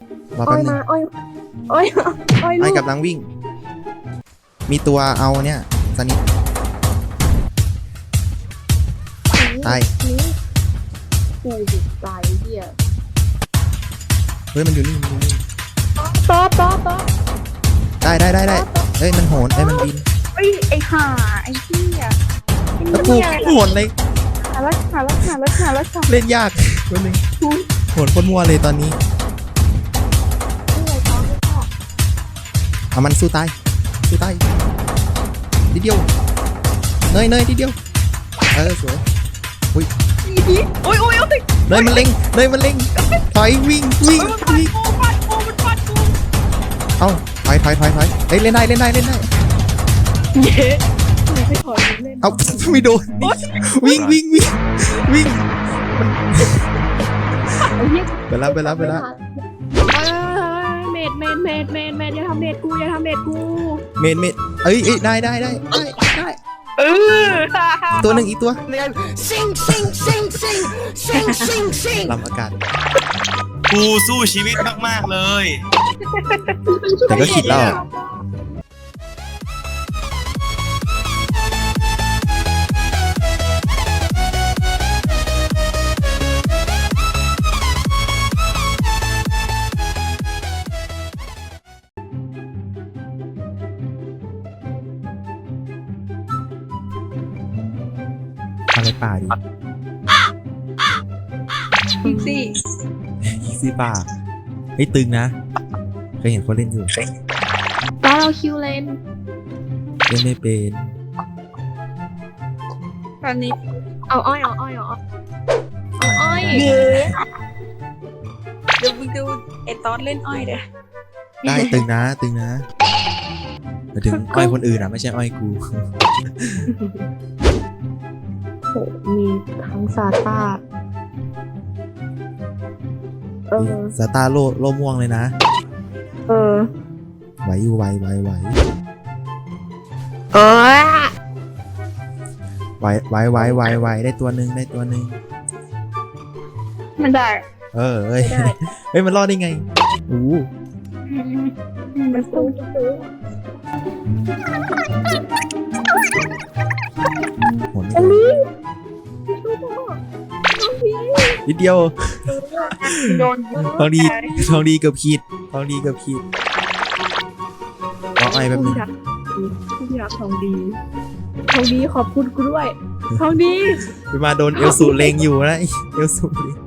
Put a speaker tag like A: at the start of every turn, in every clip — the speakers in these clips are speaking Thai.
A: รอ
B: อ้
A: แป๊
B: อบ ย
A: นึง
B: มาอ้อยอ้อยอ้อย
A: อ้
B: ลู
A: อย
B: ก
A: กำลังวิ่ง มีตัวเอาเนี่ยสนิทตาย
B: นี่กูสิตายเหี้ย
A: เฮ้ยมันอยู่นี่มันอยู่นี่
B: ต๊อป
A: ได้เฮ้ยมันโหนเฮ้ยมันบิน
C: เฮ้ยไอ้ห่าไอ้เหี้ย
A: แล้วกูโหนเลย
C: หาแล้ว
A: เล่นยากวันนึงโหนคนมั่วเลยตอนนี้
B: นี่ไงต๊อปไม่ชอบ
A: เอามันสู้ตายนิดเดียวเนยนิดเดียวสวย
C: โอ้ยเอาติ
A: เนยมันเล็งถอยวิ่ง
C: มันฟาดกู
A: เอ้าถอยเฮ้ยเล่นได้
C: เย้ไม่ไปถอยเล่น
A: เอ้าไม่โดนวิ่ง
C: ไอ้เหี้ย
A: ไปแล้ว
C: เมดอย่าทำเมดกู
A: เมนเอ้ยได้
C: เออ
A: ตัวหนึ่งอีกตัว
D: ซิง
A: ลำอากาศ
E: กูสู้ชีวิตมากๆเลย
A: แต่ก็คิดแล้วอะไรป่าดิ
C: อีกสิ
A: อีซี่ป่าเฮ้ยตึงนะเคยเห็นคนเล่นอยู่
B: ต๊อปเราคิวเลน
A: เล่นไม่เป็น
C: ตอนนี้
B: เอาอ้อย
C: เย้เดี๋ยวมึงดูไอ้ตอนเล่นอ้อยเด้อ
A: ได้ตึงนะหมายถึงอ้อยคนอื่นอ่ะไม่ใช่อ้อยกู
B: โหมีทั้งซาต้า
A: สตาร์โลม่วงเลยนะ ไหวอยู่ไหว
B: เออ
A: ได้ตัวหนึ่ง
C: มันได้
A: เอ้ยเฮ้ยมันรอดได้ไงโอ้โห
C: มันสู้
A: โหนไม่โดนนิดเดียว
C: โดน
A: ทองดีเกือบขีดรออ้อยแบบนึง
C: ที่รักทองดี
B: ขอบคุณกูด้วย
C: ทองดี
A: ไปมาโดนเอลสูเลงอยู่นะเอลสูเลง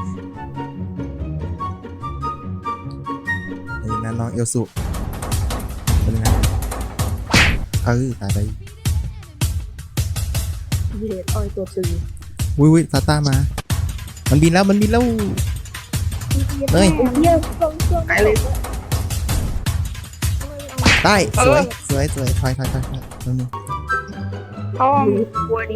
A: นั่นน้องเอลสูเป็นไงตายไป
B: เย็ดอ้อยตัวตึง
A: วุ้ยซาต้ามา มันบินแล้วเฮ้ย
B: เยี่ยมเครื่อง
C: ไปเลย
A: ได้สวยถอยนั่นนึง
C: ทองบัวนี้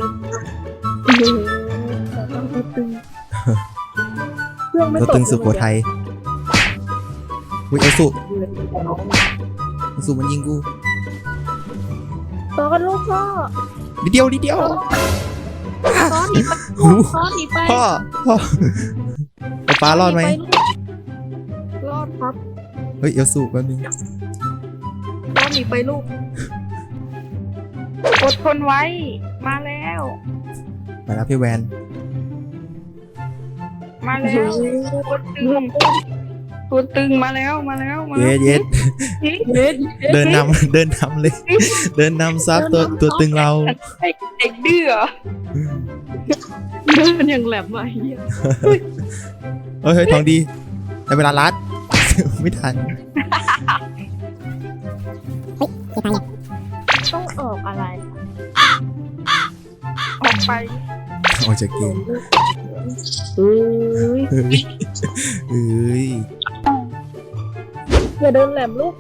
B: เครื่องไม่
A: ตัว
B: ตก
A: ตึงสุโขทัยวุ้ยเอลสูมันยิงกู
B: ตอนลูกพ่อ
A: นิดเดียว
B: ตอนหนีไป
A: หู
B: ตอนหนีไป
A: พ่อไอ้ปลารอดไหม
B: รอดครับ
A: เฮ้ยเอลสูแป๊บนึง
B: ตอนหนีไปลูก
C: อดทนไว้ มาแล้ว
A: มาแล้วพี่แวน
C: มาแล้วตัวตึงมาแล้ว
A: เย็ดเดินนำเลย เดินนำซับตัวตึงเรา
C: เด็กดื้อเหรอ
B: เดินอย่างแหลมมาเฮีย
A: เฮ้ยทองดีแต่เวลารัด ไม่ทัน
B: ต้องออกอะไร
C: ออกไป
A: ออกจากเกม
B: เฮ้ย
A: เฮ้ย
B: อย่าเดินแหลมลูก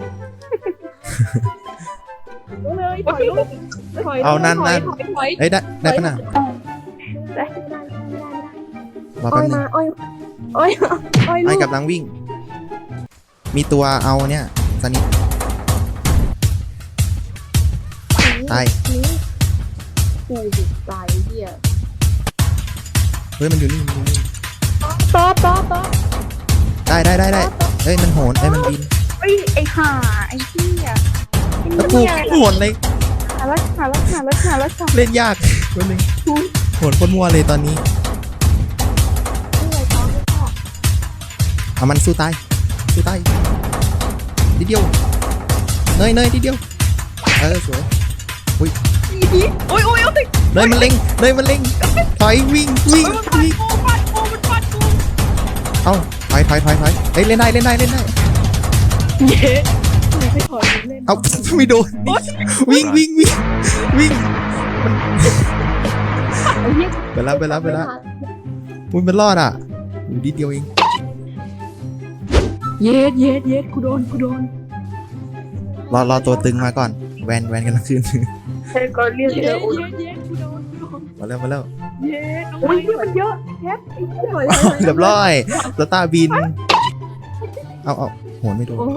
B: เลยถอยลูกถอย
A: เอานั่น
B: ถอย
A: เอ้ยได้ปะน่ะ
B: ได้
A: รอ
B: อ้
A: แป๊
B: อบ ย
A: นึ
B: มาง อ้อยลู
A: ไอ้
B: ก
A: กำลังวิ่ง มีตัวเอาเนี่ยสนิทตาย
B: นี่กูสิตายเหี้ย
A: เฮ้ยมันอยู่นี่
B: ต๊อป
A: ได้เอ้ยมันโหนเอ้ยมันบิน
C: เฮ้ยไอ้ห่าไอ้เหี้ย
A: แล้วกูโหนเลย
C: หาแล้ว
A: เล่นยากวันนึงโหนคนมัวเลยตอนนี้เอามันสู้ตายนิดเดียวเนยนิดเดียวสวย
C: โอ้ยเอาสิ
A: เนยมันเล็งถอยวิ่ง
C: มันฟาดกู
A: เอ้าถอยเฮ้ยเล่นได้
B: เย้ไม่ถอยเล่น
A: เอ้าไม่โดนวิ่ง
B: ไอ้เหี้ย
A: ไปแล้วอุ้ยมันรอดอ่ะนิดเดียวเอง
B: เย็ดกูโดน
A: รอตัวตึงมาก่อนแวนกันละคืน
C: เธอก็เรียก
B: เย็
C: เย
B: ด
C: อะ
B: กูโดน
A: มาแล้ว
B: เย็ดน้อง
C: โอ้ย
B: ไม้
C: มันเยอะแท็บไอ้เหี้ย
A: เรียบร้อยสตาร์บินเอาโหนไม่โดน
B: โอ้โห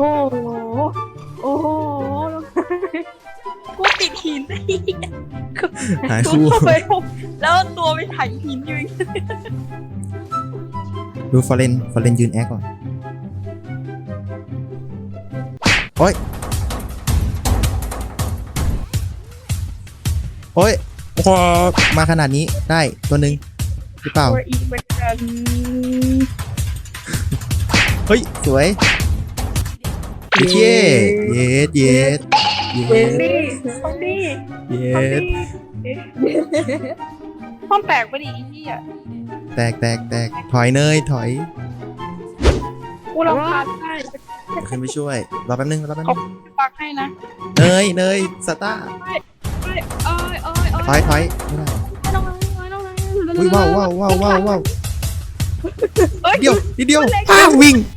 C: กูติดหินไอ้เหี้ย
A: หาย
C: กู
A: คู่
C: เข้าไปแล้วตัวไปถ่ายหินอยู่
A: ดูฟอเรนยืนแอคก่อนโอ้ยโอ้โหมาขนาดนี้ได้ตัวหนึ่งหรือเปล่า
C: ตัวอีกเหมือนกัน
A: เฮ้ยสวยเย็ด
C: นี่ห้องนี้
A: เย็
C: ห้อง
A: ด
C: นี้ห้องแตกไปดิไอ้เหี้ย
A: แตกถอยเนยถอย
C: กูรำคาญได้
A: เดี๋ยวขึ้นไปช่วยรอแป๊บนึง
C: ปักให้นะ
A: เนยสตาร์ถอยไม่ได้อุ้ยว้าวเดียวนิดเดียววิ่ง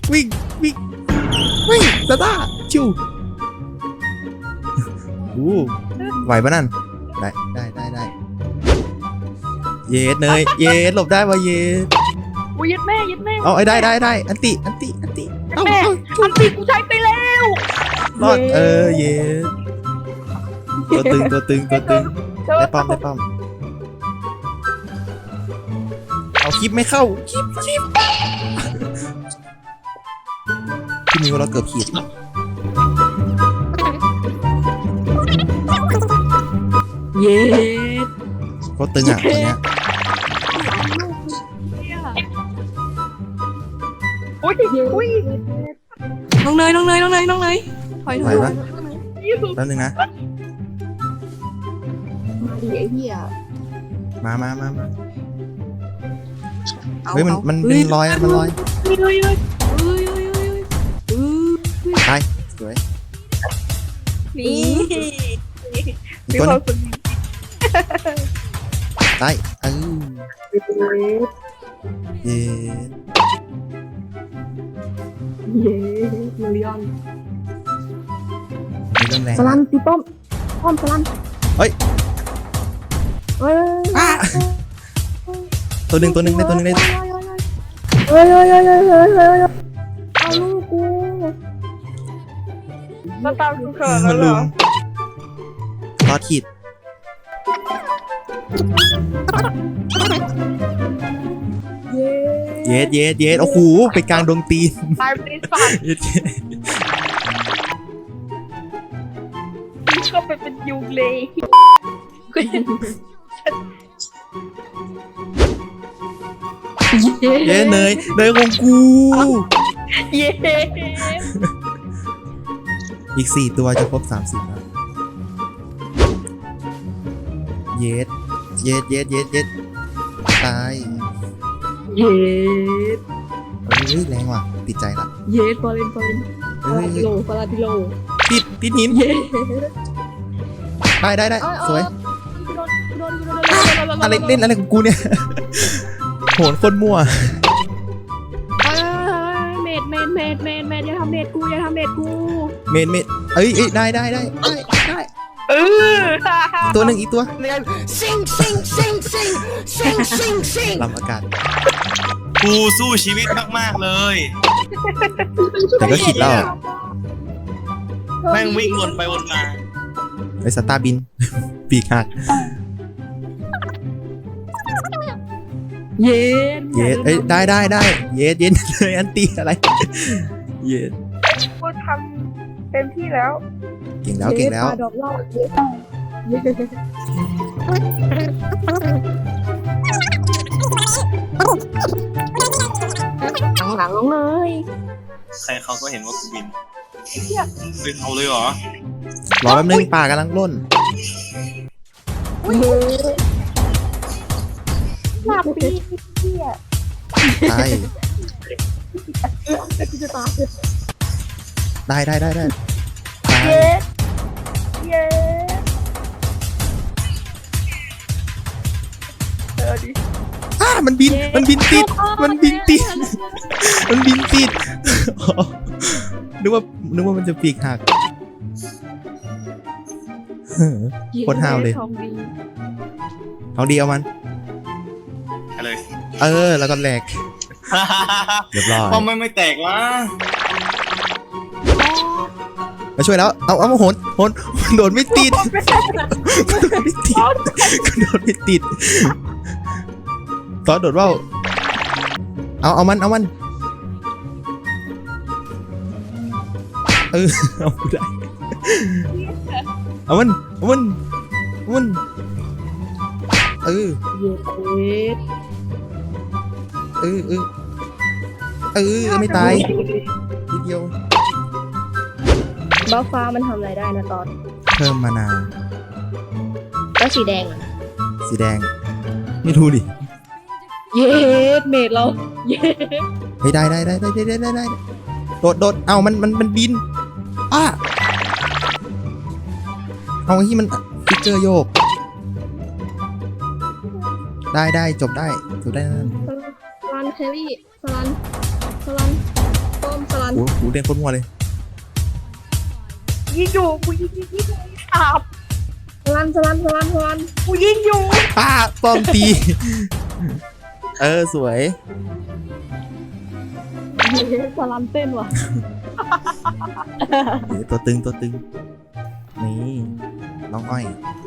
A: สตาร์ชิวไหวปะนั่นได้เย็ดเนยเย็ดหลบได้วะเย็ด
C: กูยัดแม่
A: เอาไอ้ได้อันติเอา
C: แม่อันตีกูใช้ไปแล้ว
A: รอดเย็ดตัวตึงได้ป้อมเอาคลิปไม่เข้าคลิปพี่มิวเราเกือบขีด
B: เย็ด
A: โคตรตึงอ่ะตัวเนี้ย
C: อุ้ยน้องเนยถอย
A: ไหวปะแป๊บนึงนะ
B: มาดิไอ้เหี้ย
A: มาเฮ้ยมันเป็นรอยมันลอยตายสวย
C: นี่
A: อีกตัวนึงตายเย็ด
B: มาริออน
A: มีเริ่มแรง
B: สลันตีป้อมสลัน
A: เฮ้ยตัวหนึ่งได้ตัวหนึ่งได้
B: เอาลูกกู
C: มาตามกูเถอะ
A: มัน
C: เหร
A: ลุ
C: อ
A: มรอดขีดเย็ดโอ้โหไปกลางดงตีน
C: ตายไปสัตว์ก็ไปเป็นยุงเลย
A: เย้เนยของกู
C: เย้
A: อีก4ตัวจะครบ30แล้วเย็ดตาย
B: เย็ด
A: เฮ้ยแรงว่ะติดใจละ
B: เย็ดฟอร์เรน
A: เฮ้ย
B: ฟาราติโล
A: ติดหิน
B: เย็ด
A: ได้สวยอะไรเล่นอะไรของกูเนี่ย โหนคนมั่ว
B: เมดอย่าทำเมดกู
A: เมนเอ้ยได้ตัวหนึ่งอีกตัวลำอากาศ
E: กูสู้ชีวิตมากๆเลย
A: แต่ก็คิดแล้ว
E: แม่งวิ่งวนไปวนมา
A: ไอ้สตาร์บิน ปีกหัก
B: เย็ด
A: เอ้ยได้เย็ดเลยอันตีอะไรเย้
C: กูทำเต็มที่แล้ว
A: เก่งแล้วเก่งแล้ว
B: ปาดอกเหล่าหลังๆเลย
E: ใครเขาก็เห็นว่ากูบินบินเอาเลยเหรอ
A: รอแป๊บนึงป่ากำลังร่น
C: หลับปีเที่ย
A: ตาย
B: จะตาย
A: ได้ตาย
C: เย้ดิ
A: มันบินติดมันบินติดมันบินติดอ๋อนึกว่ามันจะปีกหักโคตรห้าวเลย
B: ทองดี
A: เอาดีเอามัน
E: ไปเลย
A: แล้วก็แหลกเรียบร้อย
E: ป้อมไม่แตกวะ
A: มาช่วยแล้วเอามาโหนโดนไม่ติดโดนไม่ติดตอนโดดว่าวเอามันเอาได้เอามัน
B: เย็ด
A: ไม่ตายทีเดียว
B: บ้าฟ้ามันทำอะไรได้นะตอน
A: เพิ่มมานา
B: แล้วสีแดงอะ
A: สีแดงไม่รู้ดิ
B: เย็ดเมดเราเย็ด
A: ไม่ได้โดดเอามันบินเอาที่มันฟิกเกอร์โยกได้จบได้นั่น
B: สลันแครี่สลันป้อมสลัน
A: โอ้โหเด่นโคตรมัวเลย
C: ยิงอยู่กูยิงอาบ
B: สลัน
C: กูยิงอยู่
A: ป้อมตีสวย
B: สลันเต้นว่ะ
A: นี่ตัวตึงนี่น้องอ้อย